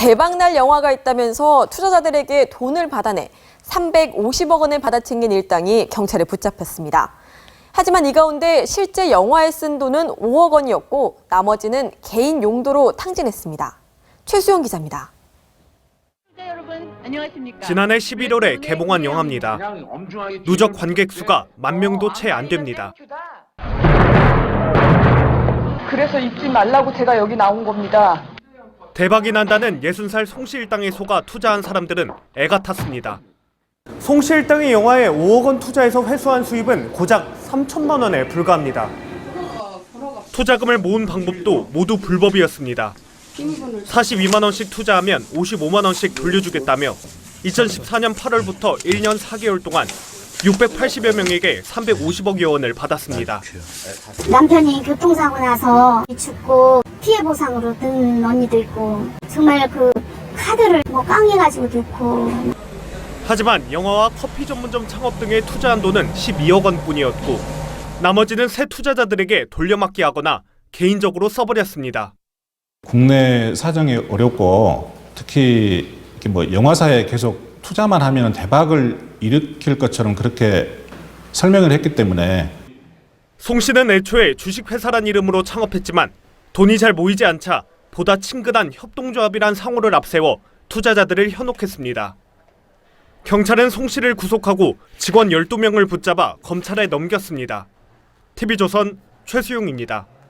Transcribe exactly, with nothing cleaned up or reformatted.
대박날 영화가 있다면서 투자자들에게 돈을 받아내 삼백오십억 원을 받아챙긴 일당이 경찰에 붙잡혔습니다. 하지만 이 가운데 실제 영화에 쓴 돈은 오억 원이었고 나머지는 개인 용도로 탕진했습니다. 최수영 기자입니다. 지난해 십일월에 개봉한 영화입니다. 누적 관객 수가 만 명도 채 안 됩니다. 그래서 입지 말라고 제가 여기 나온 겁니다. 대박이 난다는 예순 살 송씨 일당에 속아 투자한 사람들은 애가 탔습니다. 송씨 일당이 영화에 오억 원 투자해서 회수한 수입은 고작 삼천만 원에 불과합니다. 투자금을 모은 방법도 모두 불법이었습니다. 사십이만 원씩 투자하면 오십오만 원씩 돌려주겠다며 이천십사 년 팔월부터 일 년 사 개월 동안 육백팔십여 명에게 삼백오십억여 원을 받았습니다. 남편이 교통사고 나서 죽고 피해 보상으로 든 언니도 있고 정말 그 카드를 뭐 깡해가지고 넣고. 하지만 영화와 커피 전문점 창업 등에 투자한 돈은 십이억 원뿐이었고 나머지는 새 투자자들에게 돌려막기 하거나 개인적으로 써버렸습니다. 국내 사정이 어렵고 특히 뭐 영화사에 계속 투자만 하면 대박을 일으킬 것처럼 그렇게 설명을 했기 때문에. 송 씨는 애초에 주식회사란 이름으로 창업했지만 돈이 잘 모이지 않자 보다 친근한 협동조합이란 상호를 앞세워 투자자들을 현혹했습니다. 경찰은 송 씨를 구속하고 직원 열두 명을 붙잡아 검찰에 넘겼습니다. 티비조선 최수용입니다.